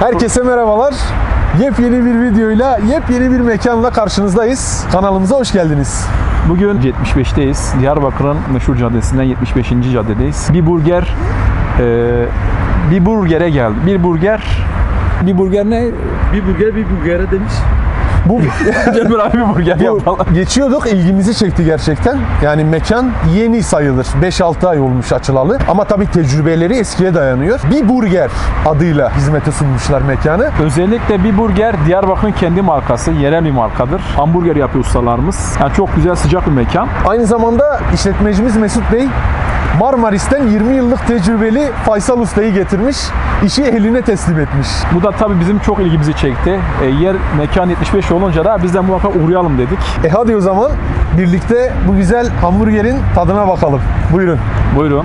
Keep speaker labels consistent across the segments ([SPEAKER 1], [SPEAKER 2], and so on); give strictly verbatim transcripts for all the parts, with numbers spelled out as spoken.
[SPEAKER 1] Herkese merhabalar. Yepyeni bir videoyla, yepyeni bir mekanla karşınızdayız. Kanalımıza hoş geldiniz.
[SPEAKER 2] Bugün yetmiş beşteyiz. Diyarbakır'ın meşhur caddesinden yetmiş beşinci caddedeyiz. Bir burger, e, bir burgere geldi. Bir burger, bir burger ne?
[SPEAKER 3] Bir burger bir burgere demiş.
[SPEAKER 1] Bu
[SPEAKER 2] Cemil abi bir burger yapalım.
[SPEAKER 1] geçiyorduk, ilgimizi çekti gerçekten. Yani mekan yeni sayılır. beş altı ay olmuş açılalı. Ama tabii tecrübeleri eskiye dayanıyor. Bir burger adıyla hizmete sunmuşlar mekanı.
[SPEAKER 2] Özellikle bir burger Diyarbakır'ın kendi markası, yerel bir markadır. Hamburger yapıyor ustalarımız. Yani çok güzel, sıcak bir mekan.
[SPEAKER 1] Aynı zamanda işletmecimiz Mesut Bey Marmaris'ten yirmi yıllık tecrübeli Faysal Usta'yı getirmiş. İşi eline teslim etmiş.
[SPEAKER 2] Bu da tabii bizim çok ilgimizi çekti. E, yer mekan yetmiş beş olunca da biz de muhakkak uğrayalım dedik.
[SPEAKER 1] E hadi o zaman birlikte bu güzel hamburgerin tadına bakalım. Buyurun.
[SPEAKER 2] Buyurun.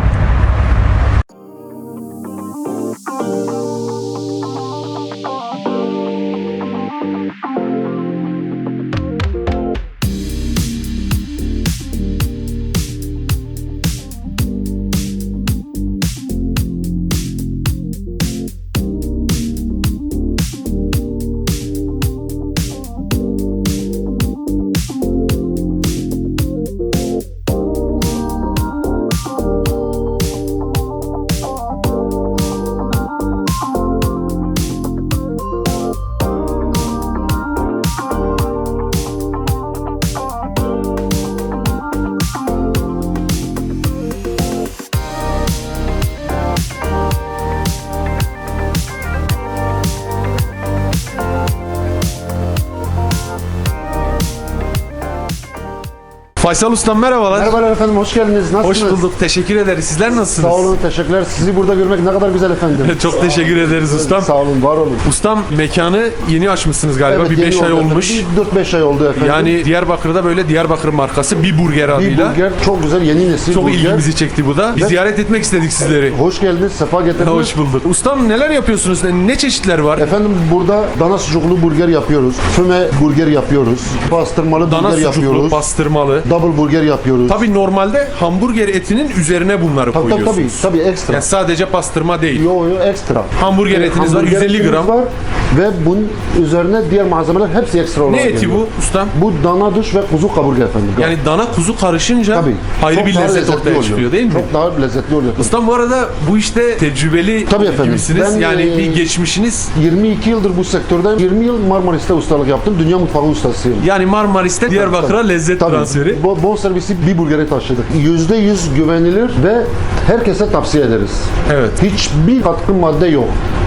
[SPEAKER 1] Faysal Ustam merhabalar.
[SPEAKER 4] Merhabalar efendim, hoş geldiniz. Nasılsınız?
[SPEAKER 1] Hoş bulduk. Teşekkür ederiz. Sizler nasılsınız?
[SPEAKER 4] Sağ olun, teşekkürler. Sizi burada görmek ne kadar güzel efendim.
[SPEAKER 1] Çok teşekkür ederiz ustam.
[SPEAKER 4] Sağ olun, var olun.
[SPEAKER 1] Ustam mekanı yeni açmışsınız galiba. bir
[SPEAKER 4] yeni
[SPEAKER 1] beş ay
[SPEAKER 4] oldu efendim.
[SPEAKER 1] olmuş.
[SPEAKER 4] Bir dört beş ay oldu efendim.
[SPEAKER 1] Yani Diyarbakır'da böyle Diyarbakır markası bir burger
[SPEAKER 4] bir
[SPEAKER 1] adıyla.
[SPEAKER 4] burger, çok güzel, yeni nesil
[SPEAKER 1] Çok
[SPEAKER 4] burger.
[SPEAKER 1] ilgimizi çekti bu da. Biz
[SPEAKER 4] Ve-
[SPEAKER 1] ziyaret etmek istedik sizleri.
[SPEAKER 4] Hoş geldiniz, sefa getirdiniz.
[SPEAKER 1] Hoş bulduk. Ustam neler yapıyorsunuz? Ne çeşitler var?
[SPEAKER 4] Efendim burada dana sucuklu burger yapıyoruz. Füme burger yapıyoruz. Pastırmalı
[SPEAKER 1] Dana
[SPEAKER 4] burger
[SPEAKER 1] sucuklu,
[SPEAKER 4] yapıyoruz.
[SPEAKER 1] bastırmalı.
[SPEAKER 4] Double burger yapıyoruz.
[SPEAKER 1] Tabii normalde hamburger etinin üzerine bunları
[SPEAKER 4] tabii, tabii, tabii,
[SPEAKER 1] koyuyorsunuz.
[SPEAKER 4] tabii ekstra.
[SPEAKER 1] Yani sadece pastırma değil.
[SPEAKER 4] Yo yo ekstra.
[SPEAKER 1] Hamburger
[SPEAKER 4] Ee,
[SPEAKER 1] etiniz var,
[SPEAKER 4] hamburger
[SPEAKER 1] yüz elli
[SPEAKER 4] etimiz
[SPEAKER 1] gram.
[SPEAKER 4] var ve bunun üzerine diğer malzemeler hepsi ekstra olarak
[SPEAKER 1] Ne eti
[SPEAKER 4] geliyor.
[SPEAKER 1] bu ustam?
[SPEAKER 4] Bu dana duş ve kuzu kaburga efendim.
[SPEAKER 1] Yani dana kuzu karışınca
[SPEAKER 4] Tabii.
[SPEAKER 1] ayrı
[SPEAKER 4] Çok
[SPEAKER 1] bir
[SPEAKER 4] daha
[SPEAKER 1] lezzet
[SPEAKER 4] lezzetli
[SPEAKER 1] ortaya
[SPEAKER 4] oluyor.
[SPEAKER 1] çıkıyor değil mi?
[SPEAKER 4] Çok daha lezzetli oluyor.
[SPEAKER 1] Ustam bu arada bu işte tecrübeli
[SPEAKER 4] Tabii efendim.
[SPEAKER 1] gibisiniz.
[SPEAKER 4] Ben,
[SPEAKER 1] yani
[SPEAKER 4] e,
[SPEAKER 1] bir geçmişiniz.
[SPEAKER 4] yirmi iki yıldır bu sektördeyim. yirmi yıl Marmaris'te ustalık yaptım. Dünya mutfağı ustasıyım.
[SPEAKER 1] Yani Marmaris'te Diyarbakır'a lezzet
[SPEAKER 4] Tabii.
[SPEAKER 1] transferi.
[SPEAKER 4] Bo- bon servisi bir burgere taşıdık. yüzde yüz güvenilir ve herkese tavsiye ederiz.
[SPEAKER 1] Evet.
[SPEAKER 4] Hiçbir katkı madde yok.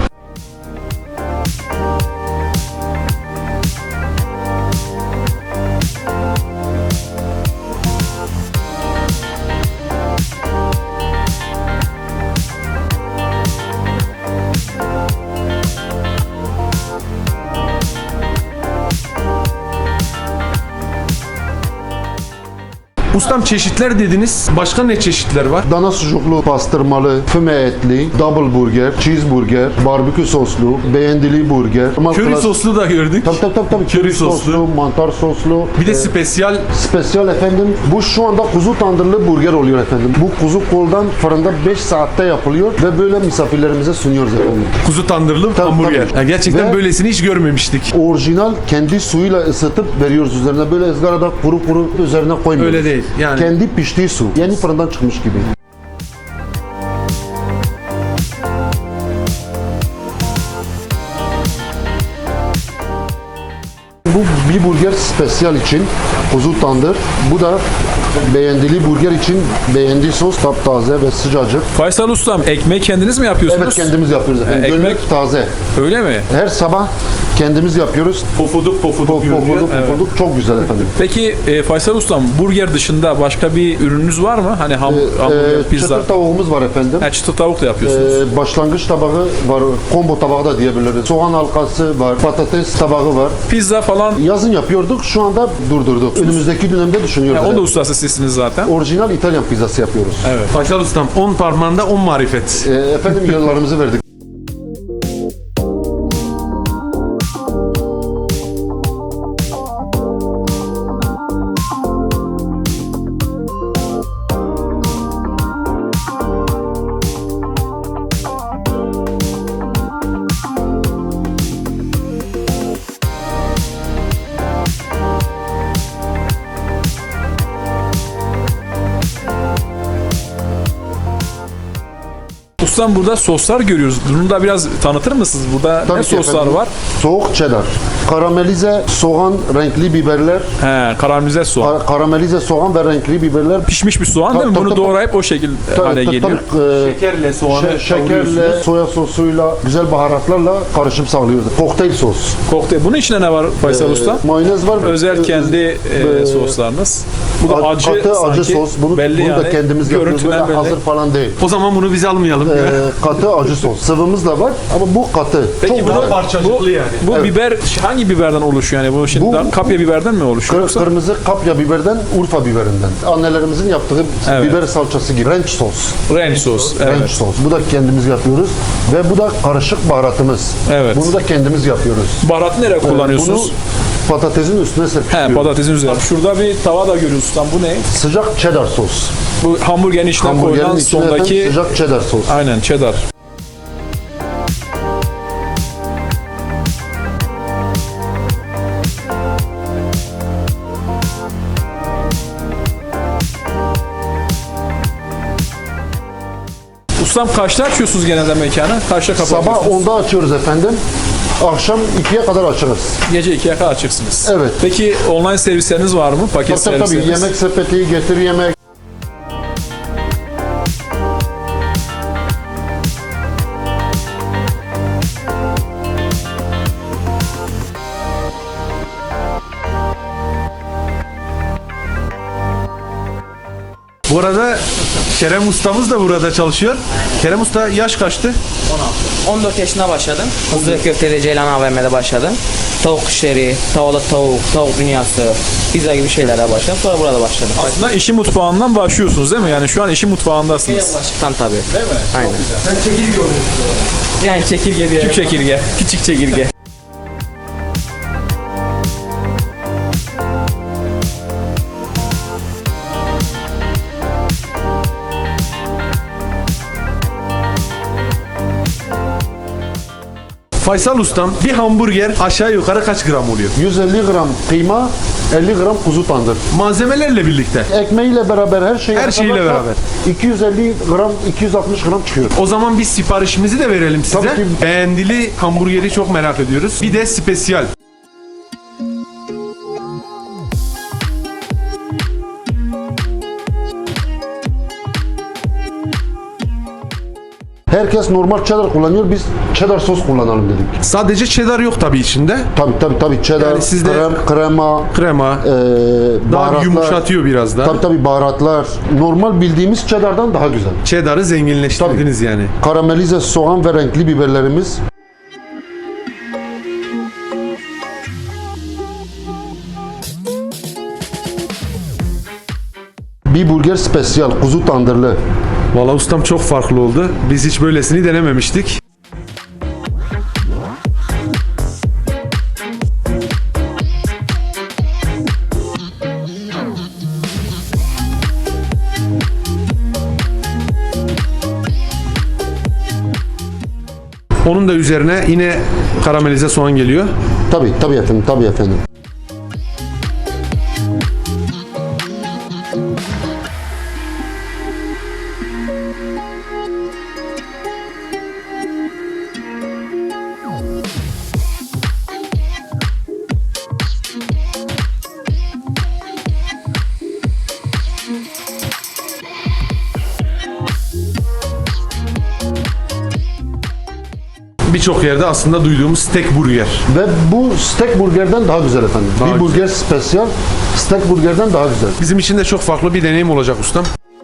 [SPEAKER 1] Ustam çeşitler dediniz. Başka ne çeşitler var?
[SPEAKER 4] Dana sucuklu, pastırmalı, füme etli, double burger, cheeseburger, barbekü soslu, beğendili burger. normal
[SPEAKER 1] Köri
[SPEAKER 4] klas-
[SPEAKER 1] soslu da gördük.
[SPEAKER 4] Tabii tabii tabii. tabii.
[SPEAKER 1] Köri
[SPEAKER 4] Köri
[SPEAKER 1] soslu.
[SPEAKER 4] soslu, mantar soslu.
[SPEAKER 1] Bir de
[SPEAKER 4] e,
[SPEAKER 1] spesyal
[SPEAKER 4] Spesyal efendim. Bu şu anda kuzu tandırlı burger oluyor efendim. Bu kuzu koldan fırında beş saatte yapılıyor ve böyle misafirlerimize sunuyoruz efendim.
[SPEAKER 1] kuzu tandırlı
[SPEAKER 4] Tabii,
[SPEAKER 1] hamburger.
[SPEAKER 4] tabii.
[SPEAKER 1] Yani gerçekten
[SPEAKER 4] Ve-
[SPEAKER 1] böylesini hiç görmemiştik.
[SPEAKER 4] Orijinal kendi suyuyla ısıtıp veriyoruz üzerine. Böyle ızgarada kuru kuru üzerine koymuyoruz.
[SPEAKER 1] Öyle değil, yani.
[SPEAKER 4] Kendi piştiği su. Yeni fırından çıkmış gibi. Bu bir burger spesyal için kuzu tandır. Bu da beğendili burger için beğendiği sos taptaze ve sıcacık.
[SPEAKER 2] Faysal Ustam, ekmeği kendiniz mi yapıyorsunuz?
[SPEAKER 4] Evet, kendimiz yapıyoruz efendim.
[SPEAKER 2] ekmek-
[SPEAKER 4] Gönlük taze.
[SPEAKER 2] Öyle mi?
[SPEAKER 4] Her sabah kendimiz yapıyoruz.
[SPEAKER 1] Pofuduk pofuduk
[SPEAKER 4] Pofuduk
[SPEAKER 1] görünüyor.
[SPEAKER 4] pofuduk çok güzel efendim.
[SPEAKER 2] Peki e, Faysal Ustam, burger dışında başka bir ürününüz var mı? Hani ham, hamburger,
[SPEAKER 4] Ee,
[SPEAKER 2] pizza.
[SPEAKER 4] çıtır tavuğumuz var efendim.
[SPEAKER 2] Ha, çıtır tavuk da yapıyorsunuz.
[SPEAKER 4] Ee, başlangıç tabağı var, combo tabağı da diyebiliriz. Soğan halkası var, patates tabağı var.
[SPEAKER 2] Pizza falan.
[SPEAKER 4] Yazın yapıyorduk, şu anda durdurduk. Önümüzdeki dönemde düşünüyoruz.
[SPEAKER 2] Ya, o da
[SPEAKER 4] evet.
[SPEAKER 2] ustası sizsiniz zaten.
[SPEAKER 4] Orijinal İtalyan pizzası yapıyoruz.
[SPEAKER 2] Evet.
[SPEAKER 1] Faysal Ustam on parmağında on marifet.
[SPEAKER 4] Ee, efendim yıllarımızı verdik.
[SPEAKER 2] Ustam burada soslar görüyoruz. Bunu da biraz tanıtır mısınız? Burada
[SPEAKER 4] Tabii
[SPEAKER 2] ne
[SPEAKER 4] ki
[SPEAKER 2] soslar
[SPEAKER 4] efendim.
[SPEAKER 2] var?
[SPEAKER 4] Soğuk cheddar, karamelize soğan, renkli biberler,
[SPEAKER 2] He, karamelize soğan.
[SPEAKER 4] ka- karamelize soğan ve renkli biberler.
[SPEAKER 2] Pişmiş bir soğan değil mi?
[SPEAKER 4] Tabii,
[SPEAKER 2] Bunu
[SPEAKER 4] tabii,
[SPEAKER 2] doğrayıp o şekil
[SPEAKER 4] Tabii,
[SPEAKER 2] hale
[SPEAKER 4] tabii,
[SPEAKER 2] geliyor.
[SPEAKER 4] tabii, e,
[SPEAKER 1] Şekerle soğanı
[SPEAKER 4] şe- şekerle,
[SPEAKER 1] kavuruyorsunuz.
[SPEAKER 4] soya sosuyla, güzel baharatlarla karışım sağlıyoruz. Kokteyl sos.
[SPEAKER 2] Kokteyl. Bunun içinde ne var Faysal Usta?
[SPEAKER 4] E, mayonez var.
[SPEAKER 2] Özel
[SPEAKER 4] E,
[SPEAKER 2] kendi e,
[SPEAKER 4] e,
[SPEAKER 2] soslarınız. Bu da
[SPEAKER 4] a-
[SPEAKER 2] acı
[SPEAKER 4] katı acı
[SPEAKER 2] sanki.
[SPEAKER 4] sos. Bunu,
[SPEAKER 2] belli
[SPEAKER 4] bunu
[SPEAKER 2] yani.
[SPEAKER 4] da kendimiz yapıyoruz.
[SPEAKER 2] Görüntüden
[SPEAKER 4] Böyle
[SPEAKER 2] belli.
[SPEAKER 4] hazır falan değil.
[SPEAKER 1] O zaman bunu biz almayalım.
[SPEAKER 4] E, katı acı sos. Sıvımız da var ama bu katı.
[SPEAKER 2] Peki
[SPEAKER 4] Çok
[SPEAKER 2] bunu
[SPEAKER 4] güzel.
[SPEAKER 1] Parçacıklı yani.
[SPEAKER 2] Bu
[SPEAKER 4] Evet.
[SPEAKER 2] biber hangi biberden oluşuyor yani? Bu şimdi
[SPEAKER 4] Bu-
[SPEAKER 2] daha kapya biberden mi oluşuyor?
[SPEAKER 4] Kır-
[SPEAKER 2] yoksa?
[SPEAKER 4] kırmızı kapya biberden, Urfa biberinden. Annelerimizin yaptığı
[SPEAKER 2] Evet.
[SPEAKER 4] biber salçası gibi. Ranch sos.
[SPEAKER 2] Ranch sos.
[SPEAKER 4] Ranch
[SPEAKER 2] Evet.
[SPEAKER 4] sos. Bu da kendimiz yapıyoruz. Ve bu da karışık baharatımız.
[SPEAKER 2] Evet.
[SPEAKER 4] Bunu da kendimiz yapıyoruz.
[SPEAKER 2] Baharatı nereye kullanıyorsunuz?
[SPEAKER 4] Bunu patatesin üstüne
[SPEAKER 2] He,
[SPEAKER 4] serpiştiriyoruz.
[SPEAKER 2] patatesin üzerine. Şurada bir tava da görüyoruz ustam. Bu ne?
[SPEAKER 4] Sıcak cheddar sos.
[SPEAKER 2] Bu hamburgerin içine
[SPEAKER 4] Hamburgerin
[SPEAKER 2] koyulan
[SPEAKER 4] içine
[SPEAKER 2] sondaki...
[SPEAKER 4] efendim sıcak cheddar sos.
[SPEAKER 2] Aynen cheddar. Ustam kaçta açıyorsunuz genelde mekanı? Kaçta kapatıyorsunuz?
[SPEAKER 4] Sabah onda açıyoruz efendim. Akşam ikiye kadar açarız.
[SPEAKER 2] Gece ikiye kadar açıksınız.
[SPEAKER 4] Evet.
[SPEAKER 2] Peki online servisleriniz var mı? Paket
[SPEAKER 4] Tabii tabii
[SPEAKER 2] servisleriniz?
[SPEAKER 4] yemek sepeti, getir yemek.
[SPEAKER 1] Bu arada Kerem Ustamız da burada çalışıyor. Kerem Usta yaş kaçtı?
[SPEAKER 5] on dört yaşında başladım. Hızlı ve köfteli Ceylan A V M'de başladım. Tavuk işleri, tavalı tavuk, tavuk dünyası, pizza gibi şeylerle başladım. Sonra burada başladım.
[SPEAKER 2] Aslında işi mutfağından başlıyorsunuz değil mi? Yani şu an işi mutfağındasınız.
[SPEAKER 5] Başlıktan tabii.
[SPEAKER 2] Değil mi?
[SPEAKER 5] Aynen. Yani çekirge diye.
[SPEAKER 2] Küçük çekirge. Küçük çekirge.
[SPEAKER 1] Faysal Ustam, bir hamburger aşağı yukarı kaç gram oluyor?
[SPEAKER 4] yüz elli gram kıyma, elli gram kuzu tandır.
[SPEAKER 1] Malzemelerle birlikte.
[SPEAKER 4] Ekmeğiyle beraber her şeyi
[SPEAKER 1] Her şeyiyle
[SPEAKER 4] yaparsak
[SPEAKER 1] beraber.
[SPEAKER 4] iki yüz elli gram, iki yüz altmış gram çıkıyor.
[SPEAKER 1] O zaman biz siparişimizi de verelim size.
[SPEAKER 4] Tabii ki.
[SPEAKER 1] Beğendili hamburgeri çok merak ediyoruz. Bir de spesiyal.
[SPEAKER 4] Herkes normal cheddar kullanıyor. Biz cheddar sos kullanalım dedik.
[SPEAKER 1] Sadece cheddar yok tabii içinde.
[SPEAKER 4] Tabii tabii tabii cheddar,
[SPEAKER 1] Yani sizde-
[SPEAKER 4] krem, krema,
[SPEAKER 1] Krema.
[SPEAKER 4] e,
[SPEAKER 1] Daha
[SPEAKER 4] baharatlar.
[SPEAKER 1] yumuşatıyor biraz da.
[SPEAKER 4] Tabii tabii baharatlar. Normal bildiğimiz cheddar'dan daha güzel.
[SPEAKER 1] Cheddar'ı zenginleştirdiniz yani.
[SPEAKER 4] Karamelize soğan ve renkli biberlerimiz. Bir burger spesiyal, kuzu tandırlı.
[SPEAKER 1] Valla ustam çok farklı oldu. Biz hiç böylesini denememiştik. Onun da üzerine yine karamelize soğan geliyor.
[SPEAKER 4] Tabii tabii efendim, tabii efendim.
[SPEAKER 1] Birçok yerde aslında duyduğumuz steak burger.
[SPEAKER 4] Ve bu steak burgerden daha güzel efendim.
[SPEAKER 1] Daha
[SPEAKER 4] bir
[SPEAKER 1] güzel.
[SPEAKER 4] burger spesiyal, steak burgerden daha güzel.
[SPEAKER 1] Bizim için de çok farklı bir deneyim olacak ustam.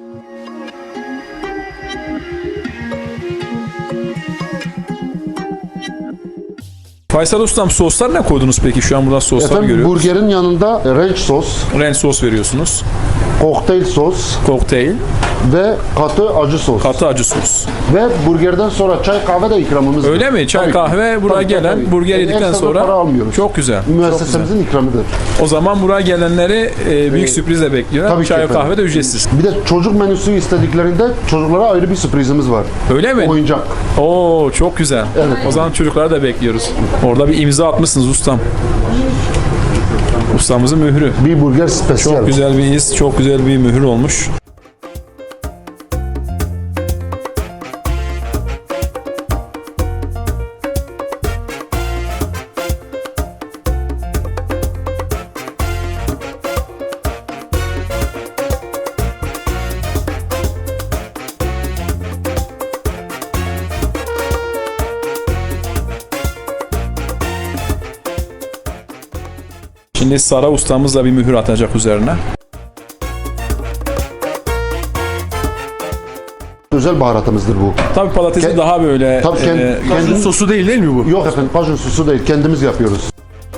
[SPEAKER 2] Faysal Ustam soslar ne koydunuz peki? Şu an burada soslar
[SPEAKER 4] Efendim
[SPEAKER 2] görüyoruz.
[SPEAKER 4] burgerin yanında ranch sos,
[SPEAKER 2] Ranch sos veriyorsunuz.
[SPEAKER 4] kokteyl sos
[SPEAKER 2] Kokteyl,
[SPEAKER 4] ve katı acı sos.
[SPEAKER 2] katı acı sos.
[SPEAKER 4] Ve burgerden sonra çay kahve de ikramımız var.
[SPEAKER 2] Öyle mi? Çay
[SPEAKER 4] Tabii ki.
[SPEAKER 2] kahve buraya
[SPEAKER 4] Tabii,
[SPEAKER 2] gelen
[SPEAKER 4] tabii.
[SPEAKER 2] burger
[SPEAKER 4] Yani
[SPEAKER 2] yedikten
[SPEAKER 4] ekstra
[SPEAKER 2] sonra
[SPEAKER 4] para almıyoruz.
[SPEAKER 2] çok güzel. Çok güzel.
[SPEAKER 4] Müessesemizin ikramıdır.
[SPEAKER 2] O zaman buraya gelenleri e, büyük sürprizle bekliyorlar.
[SPEAKER 4] Tabii ki
[SPEAKER 2] Çay
[SPEAKER 4] efendim.
[SPEAKER 2] kahve de ücretsiz.
[SPEAKER 4] Bir de çocuk menüsü istediklerinde çocuklara ayrı bir sürprizimiz var.
[SPEAKER 2] Öyle mi?
[SPEAKER 4] Oyuncak.
[SPEAKER 2] Oo çok güzel.
[SPEAKER 4] Evet.
[SPEAKER 2] O zaman çocukları da bekliyoruz. Orada bir imza atmışsınız ustam. Ustamızın mührü.
[SPEAKER 4] Bir burger spesiyal.
[SPEAKER 2] Çok güzel bir iz, çok güzel bir mühür olmuş. Şimdi Sara ustamız da bir mühür atacak üzerine.
[SPEAKER 4] Özel baharatımızdır bu.
[SPEAKER 2] Tabii patatesi
[SPEAKER 4] Ke-
[SPEAKER 2] daha böyle
[SPEAKER 4] Tabii kend-
[SPEAKER 2] e,
[SPEAKER 1] Kajun
[SPEAKER 4] kendi-
[SPEAKER 1] sosu değil değil mi bu?
[SPEAKER 4] Yok efendim, kajun sosu değil, kendimiz yapıyoruz.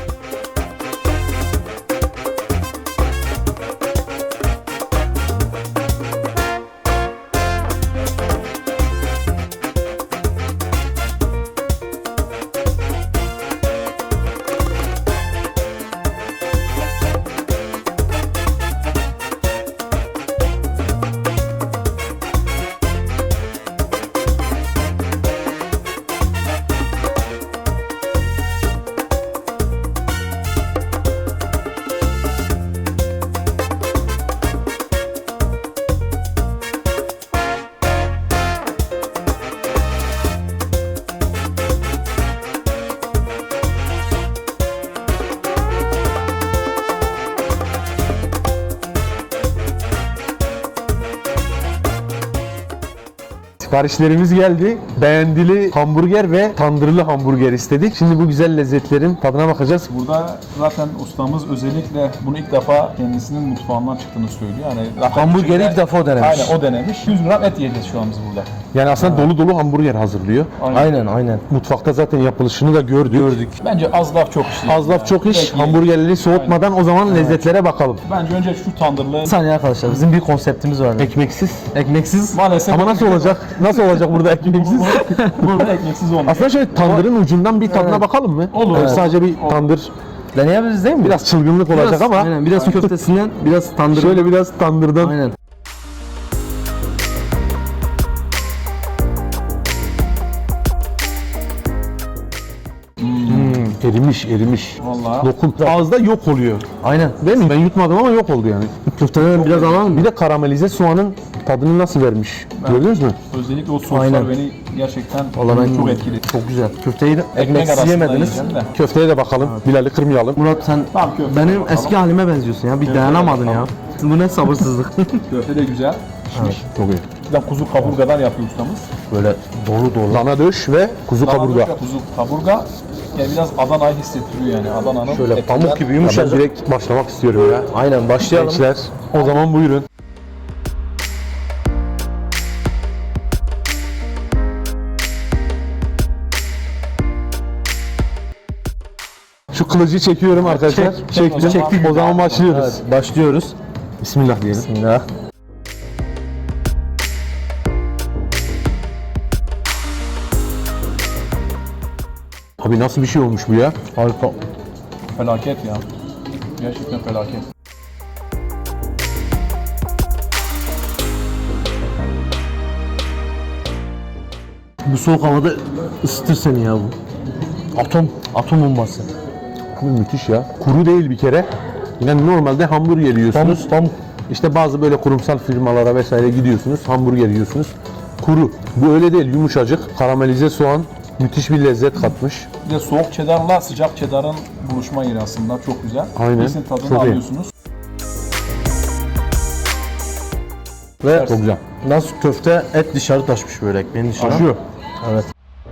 [SPEAKER 1] Siparişlerimiz geldi. Beğendili hamburger ve tandırlı hamburger istedik. Şimdi bu güzel lezzetlerin tadına bakacağız.
[SPEAKER 2] Burada zaten ustamız özellikle bunu ilk defa kendisinin mutfağından çıktığını söylüyor. Yani zaten
[SPEAKER 6] Hamburgeri
[SPEAKER 2] içinde-
[SPEAKER 6] ilk defa o denemiş.
[SPEAKER 2] Aynen o denemiş. yüz gram et yiyeceğiz şu an biz burada.
[SPEAKER 1] Yani aslında dolu dolu hamburger hazırlıyor.
[SPEAKER 6] Aynen aynen.
[SPEAKER 1] Mutfakta zaten yapılışını da gördük. Gördük.
[SPEAKER 2] Bence az laf çok iş.
[SPEAKER 1] Az laf çok iş.
[SPEAKER 2] Peki.
[SPEAKER 1] Hamburgerleri soğutmadan o zaman lezzetlere bakalım.
[SPEAKER 2] Bence önce şu tandırlı
[SPEAKER 6] Bir saniye arkadaşlar, bizim bir konseptimiz var.
[SPEAKER 1] Ekmeksiz.
[SPEAKER 6] Ekmeksiz.
[SPEAKER 2] maalesef
[SPEAKER 1] Ama nasıl olacak? Nasıl olacak burada ekmeksiz?
[SPEAKER 2] burada ekmeksiz olmuyor.
[SPEAKER 1] Aslında şöyle tandırın ucundan bir tadına bakalım mı?
[SPEAKER 2] Olur.
[SPEAKER 1] Yani sadece bir tandır,
[SPEAKER 6] Deneyebiliriz değil mi?
[SPEAKER 1] biraz çılgınlık olacak
[SPEAKER 6] Biraz-
[SPEAKER 1] ama
[SPEAKER 6] Aynen, biraz köftesinden, biraz tandır.
[SPEAKER 1] şöyle biraz tandırdan.
[SPEAKER 6] Aynen.
[SPEAKER 1] Erimiş, erimiş.
[SPEAKER 2] Vallahi.
[SPEAKER 1] Lokum. Ağızda yok oluyor.
[SPEAKER 6] Aynen.
[SPEAKER 1] Değil mi? Ben yutmadım ama yok oldu yani.
[SPEAKER 6] Köfteden biraz alalım mı?
[SPEAKER 1] Bir de karamelize soğanın tadını nasıl vermiş? Gördünüz mü?
[SPEAKER 2] Özellikle o soslar
[SPEAKER 6] Aynen.
[SPEAKER 2] beni gerçekten
[SPEAKER 6] Vallahi ben
[SPEAKER 2] çok etkili.
[SPEAKER 6] Çok güzel. Köfteyi de
[SPEAKER 2] Ekmek
[SPEAKER 6] ekmeksiz
[SPEAKER 2] arasında
[SPEAKER 6] yemediniz.
[SPEAKER 2] yiyeceğim de.
[SPEAKER 1] Köfteye de bakalım. Bilal'i kırmayalım.
[SPEAKER 6] Murat sen
[SPEAKER 2] Tamam, köfte
[SPEAKER 6] benim
[SPEAKER 2] bakalım.
[SPEAKER 6] eski halime benziyorsun ya. Bir dayanamadın ya. Bu ne sabırsızlık.
[SPEAKER 2] Köfte de güzel. Pişmiş.
[SPEAKER 1] Çok iyi.
[SPEAKER 2] Bir de kuzu kaburgadan yapıyor ustamız.
[SPEAKER 1] Böyle dolu dolu. Dana döş ve kuzu kaburga.
[SPEAKER 2] Dana Kuzu kaburga. Yani biraz Adana'yı hissettiriyor yani. Adana'nın
[SPEAKER 1] Şöyle
[SPEAKER 2] etinden-
[SPEAKER 1] pamuk gibi yumuşak. Ben direkt başlamak istiyorum ya.
[SPEAKER 6] Aynen, başlayalım.
[SPEAKER 1] Gençler, o zaman buyurun. Şu kılıcı çekiyorum arkadaşlar.
[SPEAKER 2] çek
[SPEAKER 1] Çektim.
[SPEAKER 2] o zaman.
[SPEAKER 1] Çektik. O zaman başlıyoruz.
[SPEAKER 6] Evet, başlıyoruz.
[SPEAKER 1] Bismillah diyelim.
[SPEAKER 6] Bismillah.
[SPEAKER 1] Abi nasıl bir şey olmuş bu ya?
[SPEAKER 6] Harika.
[SPEAKER 2] Felaket ya. Gerçekten felaket.
[SPEAKER 6] Bu soğuk havada ısıtır seni ya bu. Atom, atom bombası.
[SPEAKER 1] Abi müthiş ya. Kuru değil bir kere. Yani normalde hamburger yiyorsunuz.
[SPEAKER 6] Pamuk, pamuk.
[SPEAKER 1] İşte bazı böyle kurumsal firmalara vesaire gidiyorsunuz. Hamburger yiyorsunuz. Kuru. Bu öyle değil. Yumuşacık. Karamelize soğan. Müthiş bir lezzet katmış.
[SPEAKER 2] Bir de soğuk cheddarla sıcak cheddarın buluşma yeri aslında çok güzel.
[SPEAKER 1] Aynen.
[SPEAKER 2] İkisinin tadını
[SPEAKER 1] Çok iyi.
[SPEAKER 2] alıyorsunuz.
[SPEAKER 6] Ve
[SPEAKER 1] Çok güzel.
[SPEAKER 6] nasıl köfte et dışarı taşmış böyle ekmeğin dışına.
[SPEAKER 1] Taşıyor.
[SPEAKER 6] Evet.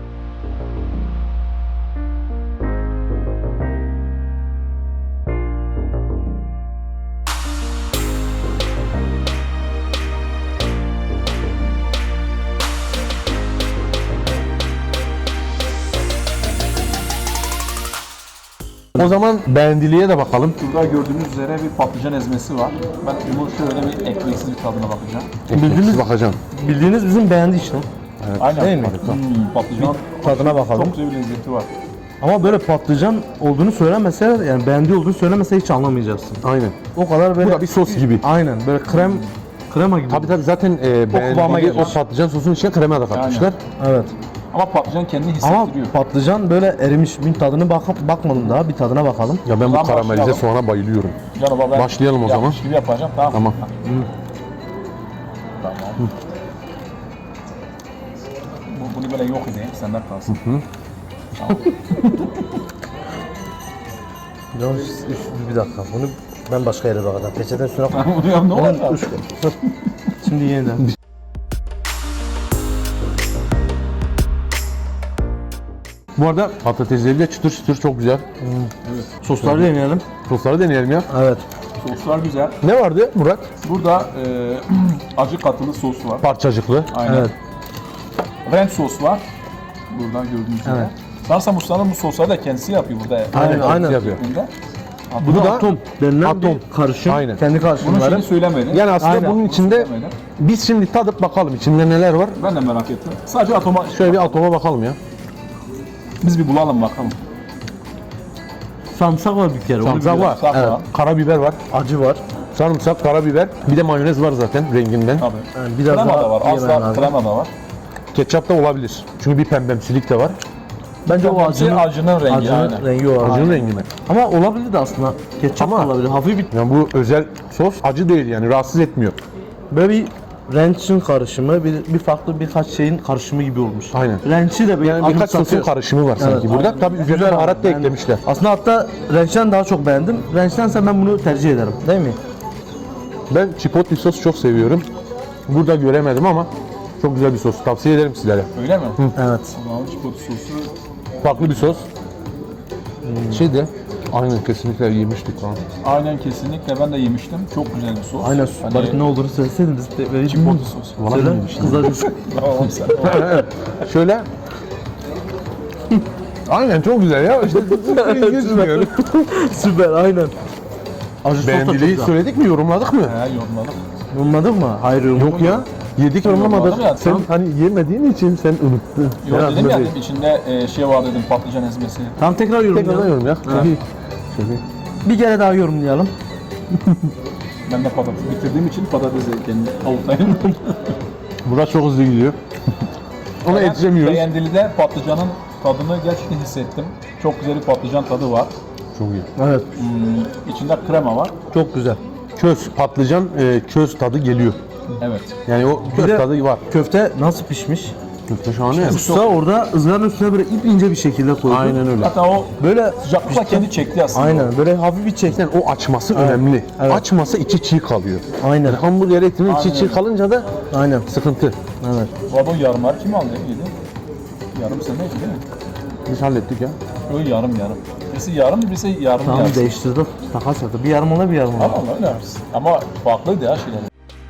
[SPEAKER 1] O zaman beğendiliğe de bakalım.
[SPEAKER 2] Burada gördüğünüz üzere bir patlıcan ezmesi var. Ben bunu şöyle bir ekmeksiz bir tadına bakacağım.
[SPEAKER 1] Bildiğiniz bakacağım.
[SPEAKER 6] Bildiğiniz bizim beğendi işte.
[SPEAKER 2] Aynen.
[SPEAKER 6] Değil mi?
[SPEAKER 2] Hmm, patlıcan
[SPEAKER 6] Tadına bakalım.
[SPEAKER 2] çok güzel bir lezzeti var.
[SPEAKER 6] Ama böyle patlıcan olduğunu söylemese, yani beğendiği olduğunu söylemese hiç anlamayacaksın.
[SPEAKER 1] Aynen.
[SPEAKER 6] O kadar böyle...
[SPEAKER 1] Bu da bir sos gibi.
[SPEAKER 6] Aynen, böyle krem, krema gibi.
[SPEAKER 1] Tabii tabii zaten e,
[SPEAKER 2] kıvama
[SPEAKER 1] beğendiliği
[SPEAKER 2] geliyor.
[SPEAKER 1] o patlıcan sosunun içine krema da katmışlar.
[SPEAKER 6] Evet.
[SPEAKER 2] Ama patlıcan kendini
[SPEAKER 6] Ama
[SPEAKER 2] hissettiriyor.
[SPEAKER 6] patlıcan böyle erimiş. Bir tadını bak bakmadım daha. Bir tadına bakalım.
[SPEAKER 1] Ya ben bu
[SPEAKER 2] Tamam,
[SPEAKER 1] karamelize
[SPEAKER 2] başlayalım.
[SPEAKER 1] soğana bayılıyorum.
[SPEAKER 2] Canım ben
[SPEAKER 1] Başlayalım o zaman.
[SPEAKER 2] yapmış gibi yapacağım. Tamam.
[SPEAKER 1] Tamam.
[SPEAKER 2] Tamam. Bu, bunu böyle yok edeyim. Senden kalsın.
[SPEAKER 6] Ya, üf, üf, bir dakika. Bunu ben başka yere bakacağım. Peçeten üstüne koy.
[SPEAKER 2] Bunu yap ne olacak?
[SPEAKER 6] Şimdi yeniden.
[SPEAKER 1] Bu arada patatesleri de çıtır çıtır çok güzel.
[SPEAKER 6] Sosları deneyelim.
[SPEAKER 1] Sosları deneyelim ya.
[SPEAKER 6] Evet.
[SPEAKER 2] Soslar güzel.
[SPEAKER 1] Ne vardı Murat?
[SPEAKER 2] Burada e, acı katılı sos var.
[SPEAKER 1] Parçacıklı.
[SPEAKER 2] Aynen.
[SPEAKER 6] Evet.
[SPEAKER 2] Ranch sos var. Buradan gördüğünüz gibi.
[SPEAKER 6] Evet.
[SPEAKER 2] Sanırsam Usta'nın bu sosları da kendisi yapıyor burada.
[SPEAKER 6] Aynen,
[SPEAKER 1] Aynen.
[SPEAKER 6] aynen.
[SPEAKER 1] Yapıyor.
[SPEAKER 2] Bunda.
[SPEAKER 6] Bu da
[SPEAKER 1] da
[SPEAKER 6] atom denilen
[SPEAKER 1] atom.
[SPEAKER 6] bir karışım.
[SPEAKER 1] Aynen.
[SPEAKER 6] Kendi
[SPEAKER 2] Bunun
[SPEAKER 6] karışımları.
[SPEAKER 2] şeyini söylemedim.
[SPEAKER 1] Yani aslında
[SPEAKER 6] Aynen.
[SPEAKER 1] bunun içinde
[SPEAKER 2] Söylemedim.
[SPEAKER 1] biz şimdi tadıp bakalım içinde neler var.
[SPEAKER 2] Ben de merak ettim. Sadece atoma
[SPEAKER 1] Şöyle bir atoma bakalım ya.
[SPEAKER 2] biz bir bulalım bakalım.
[SPEAKER 6] Sarımsak var bir kere. onu
[SPEAKER 1] Sarımsak
[SPEAKER 6] biliyorum.
[SPEAKER 1] var.
[SPEAKER 2] Sarımsak
[SPEAKER 1] Evet.
[SPEAKER 2] var.
[SPEAKER 1] Karabiber var.
[SPEAKER 6] Acı var.
[SPEAKER 1] Sarımsak, karabiber. Bir de mayonez var zaten renginden.
[SPEAKER 2] Tabii.
[SPEAKER 6] Yani biraz
[SPEAKER 2] Krema
[SPEAKER 6] daha
[SPEAKER 2] da var. Az
[SPEAKER 6] yemen
[SPEAKER 2] da
[SPEAKER 6] lazım.
[SPEAKER 2] krema da var.
[SPEAKER 1] Ketçap da olabilir. Çünkü bir pembemsilik de var.
[SPEAKER 6] Bence o acının,
[SPEAKER 2] acının rengi.
[SPEAKER 6] acının
[SPEAKER 2] aynen.
[SPEAKER 6] rengi o.
[SPEAKER 1] Acının
[SPEAKER 6] Aynen.
[SPEAKER 1] rengi mi?
[SPEAKER 6] Ama olabilir de aslında. Ketçap da
[SPEAKER 1] Ama-
[SPEAKER 6] olabilir. Hafif bir
[SPEAKER 1] Yani bu özel sos acı değil yani rahatsız etmiyor.
[SPEAKER 6] böyle bir ranch'in karışımı, bir, bir farklı birkaç şeyin karışımı gibi olmuş.
[SPEAKER 1] Aynen.
[SPEAKER 6] Ranch'i de bir
[SPEAKER 1] Yani birkaç sosun
[SPEAKER 6] anımsatıyor.
[SPEAKER 1] karışımı var sanki
[SPEAKER 6] Evet,
[SPEAKER 1] burada.
[SPEAKER 6] aynen.
[SPEAKER 1] Tabii üzerine
[SPEAKER 6] Güzel
[SPEAKER 1] baharat da
[SPEAKER 6] yani.
[SPEAKER 1] eklemişler.
[SPEAKER 6] Aslında hatta ranch'ten daha çok beğendim. Ranch'tense ben bunu tercih ederim. Değil mi?
[SPEAKER 1] Ben chipotle sos çok seviyorum. Burada göremedim ama çok güzel bir sos. Tavsiye ederim sizlere.
[SPEAKER 2] Öyle mi?
[SPEAKER 6] Evet.
[SPEAKER 2] Tamam, çikolata sosu.
[SPEAKER 1] Farklı bir sos. Şey de aynen kesinlikle yemiştik lan.
[SPEAKER 2] Aynen kesinlikle ben de yemiştim. Çok güzel bir sos.
[SPEAKER 6] Aynen.
[SPEAKER 2] Hani,
[SPEAKER 6] Bari ne olduğunu söyleseydiniz de vereyim.
[SPEAKER 2] çikolata sosu.
[SPEAKER 1] Vallahi
[SPEAKER 6] Söyle.
[SPEAKER 1] yemiştim.
[SPEAKER 6] Kızlar biz-
[SPEAKER 2] Tamam sen.
[SPEAKER 1] Şöyle. Aynen çok güzel ya. İşte geçmiyor.
[SPEAKER 6] Süper aynen. Acı sos da çok
[SPEAKER 1] Beğendiliği
[SPEAKER 6] güzel.
[SPEAKER 1] söyledik mi, yorumladık mı?
[SPEAKER 2] He yorumladım.
[SPEAKER 6] Yorumladık mı? Hayır yorumladık.
[SPEAKER 1] Yok ya. Yedik yorumlamadık.
[SPEAKER 2] Yorumladım ya,
[SPEAKER 1] Sen
[SPEAKER 2] tamam.
[SPEAKER 1] hani yemediğin için sen unuttun.
[SPEAKER 2] Yok
[SPEAKER 1] Herhalde
[SPEAKER 2] dedim ya
[SPEAKER 1] değil.
[SPEAKER 2] dedim, içinde e, şey var dedim patlıcan ezmesi.
[SPEAKER 6] Tamam tekrar yorumlayalım.
[SPEAKER 1] Tekrardan yorum ya. Tabii. Şöyle.
[SPEAKER 6] Bir kere daha yorumlayalım.
[SPEAKER 2] Ben de patates bitirdiğim için patates kendi avutayım.
[SPEAKER 1] Murat çok hızlı gidiyor. Ona yetişemiyoruz.
[SPEAKER 2] Beğendilide patlıcanın tadını gerçekten hissettim. Çok güzel bir patlıcan tadı var.
[SPEAKER 1] Çok iyi.
[SPEAKER 6] Evet.
[SPEAKER 2] Hmm, içinde krema var.
[SPEAKER 6] Çok güzel.
[SPEAKER 1] Köz, patlıcan e, köz tadı geliyor.
[SPEAKER 2] Evet.
[SPEAKER 1] Yani o köz
[SPEAKER 6] de-
[SPEAKER 1] tadı var.
[SPEAKER 6] Köfte nasıl pişmiş?
[SPEAKER 1] Köfte şahane.
[SPEAKER 6] Usta orada ızgaranın üstüne böyle ip ince bir şekilde koydu.
[SPEAKER 1] Aynen öyle.
[SPEAKER 2] Hatta o
[SPEAKER 6] Böyle
[SPEAKER 2] sıcaklıkla kendi çekti aslında.
[SPEAKER 6] aynen böyle hafif bir çekten.
[SPEAKER 1] Yani o açması önemli.
[SPEAKER 6] Evet.
[SPEAKER 1] Açması içi çiğ kalıyor.
[SPEAKER 6] Aynen.
[SPEAKER 1] Yani hamburger etinin içi
[SPEAKER 2] Aynen
[SPEAKER 1] çiğ
[SPEAKER 2] öyle.
[SPEAKER 1] kalınca da
[SPEAKER 6] Aynen.
[SPEAKER 1] sıkıntı.
[SPEAKER 6] Evet.
[SPEAKER 2] Bu arada o yarımlar kim aldı? Yedi. Yarım sen neydi değil mi?
[SPEAKER 1] Biz hallettik ya.
[SPEAKER 2] Öyle yarım yarım. Birisi yarım, birisi yarım
[SPEAKER 6] Tamam
[SPEAKER 2] yarısı.
[SPEAKER 6] değiştirdim. Takas yaptı. Bir yarım ona bir yarım ona.
[SPEAKER 2] Ama öyle yarısı. Ama farklıydı ya şeyler.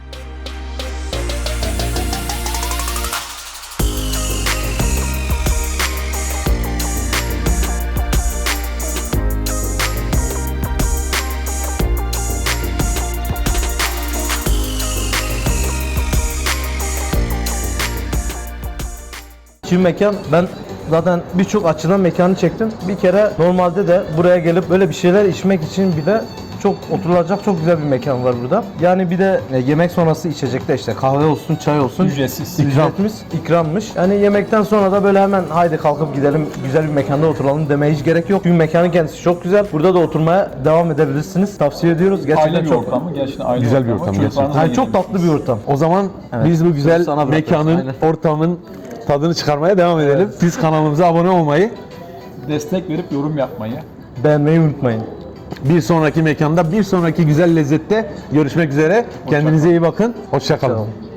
[SPEAKER 6] Şimdi mekan ben zaten birçok açıdan mekanı çektim. Bir kere normalde de buraya gelip böyle bir şeyler içmek için bile çok oturulacak çok güzel bir mekan var burada. Yani bir de e, yemek sonrası içecekte işte kahve olsun, çay olsun.
[SPEAKER 2] Ücretsiz.
[SPEAKER 6] Ücretimiz ikrammış. Yani yemekten sonra da böyle hemen haydi kalkıp gidelim güzel bir mekanda oturalım demeye hiç gerek yok. Çünkü mekanın kendisi çok güzel. Burada da oturmaya devam edebilirsiniz. Tavsiye ediyoruz. Gerçekten
[SPEAKER 2] Aile bir
[SPEAKER 6] çok
[SPEAKER 2] ortamı, gerçekten aile
[SPEAKER 1] Güzel bir
[SPEAKER 2] ortamı.
[SPEAKER 1] ortam
[SPEAKER 2] Çocuklarınızla
[SPEAKER 6] yani çok tatlı bir
[SPEAKER 2] yiyebilirsiniz.
[SPEAKER 6] ortam.
[SPEAKER 1] O zaman
[SPEAKER 6] Evet.
[SPEAKER 1] biz bu güzel
[SPEAKER 6] Sana bırakıyoruz,
[SPEAKER 1] mekanın,
[SPEAKER 6] aynen.
[SPEAKER 1] ortamın tadını çıkarmaya devam edelim. Siz kanalımıza abone olmayı,
[SPEAKER 2] Destek verip yorum yapmayı.
[SPEAKER 6] Beğenmeyi unutmayın.
[SPEAKER 1] bir sonraki mekanda, bir sonraki güzel lezzette görüşmek üzere. Kendinize iyi bakın. Hoşça kalın.
[SPEAKER 6] Tamam.